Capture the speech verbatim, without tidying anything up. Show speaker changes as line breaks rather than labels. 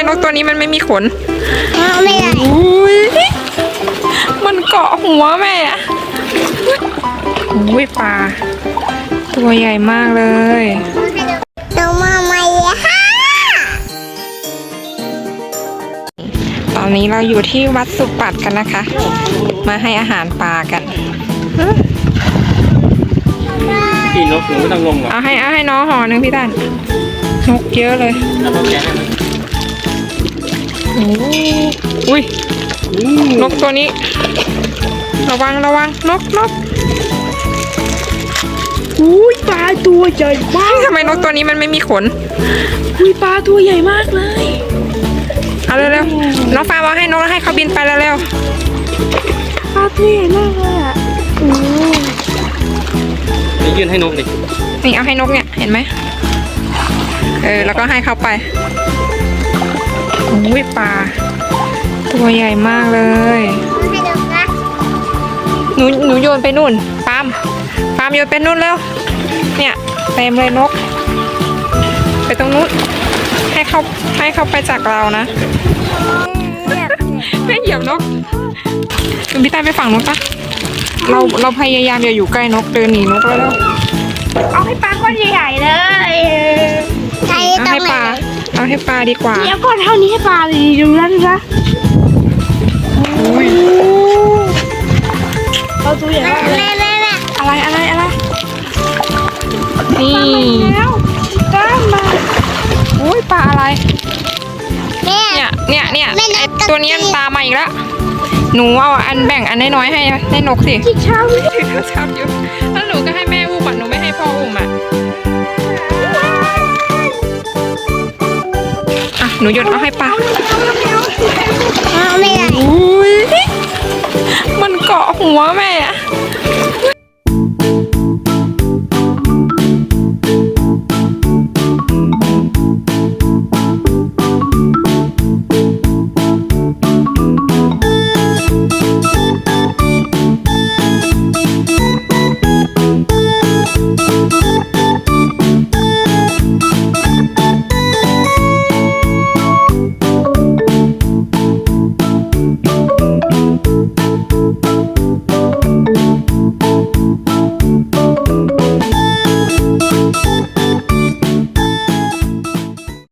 นกตัวนี้มันไม่มีขน
ไม่ได้
อุ้ยมันเกาะหัวแม่อะอุ้ยปลาตัวใหญ่มากเลย
ตัวมาใหม่ค่ะ
ตอนนี้เราอยู่ที่วัดสุปัตกันนะคะ มาให้อาหารปลากัน
พี่นกหนูไม่ต้องลงหรอก
เอาให้เอาให้น้องห่อหนึ่งพี่ตันนกเยอะเลย
แล้วก็แกะให้มัน
โอ้อุ้ยนกตัวนี้ ระวังระวังนกนก
อุ้ยปลาตัวใหญ่มาก
ทำไมนกตัวนี้มันไม่มีขน
อุ้ยปลาตัวใหญ่มากเลย
เอาเร็วๆน้องฟ้าเอาให้นกแล้วให้เขาบินไปเร็ว
ปลาตัวใหญ่มากเลยอ่ะโอ้
นี่ยื่นให้นกดิ
ๆนี่เอาให้นกเนี่ยเห็นไหมเออแล้วก็ให้เขาไปอุ้ยปลาตัวใหญ่มากเลย
ให้ดูนะ
หนูหนูโยนไปนู่นปาล์มปาล์มโยนไปนู่นแล้วเนี่ยเต็มเลยนก ไปตรงนู้นให้เขาให้เขาไปจากเรานะไม่เหยียบนกคุณพี่ใต้ไปฝั่งนกปะเราเราพยายามอย่าอยู่ใกล้นกเดินหนีนกแล้ว
เอาให้ปลาก้อนใหญ่ๆเลย
ใช้
เอา
ตร
ให้
งไห
ป
น
ลาเอาให้ปลาดีกว่า
เนี่ยก้อนเท่านี้ให้ปลาเลยดูนั่นนะ
อุ้ย
ปลาตัวใหญ่มากเลย
แม่แม่แม่
อะไรอะไรอะไรนี่
แล้วกล้ามมา
อุ้ยปลาอะไร
แม่
เนี่ยเนี่ยเนี่ย
ไม่ได้
ไอ้
ก็
ตัวนี้มันตามมาอีกแล้วหนูเอาอันแบ่งอันน้อยๆให้ให้นกสิ
จิกเช้าเลย
ถือโทรศัพท์อยู่แล้วหนูก็ให้แม่อุ้มอ่ะหนูไม่ให้พ่ออุ้มอ่ะอ่ะหนูโยนเอาให้ปลา
ไม่ได้
อุ้ยมันเกาะหัวแม่อะ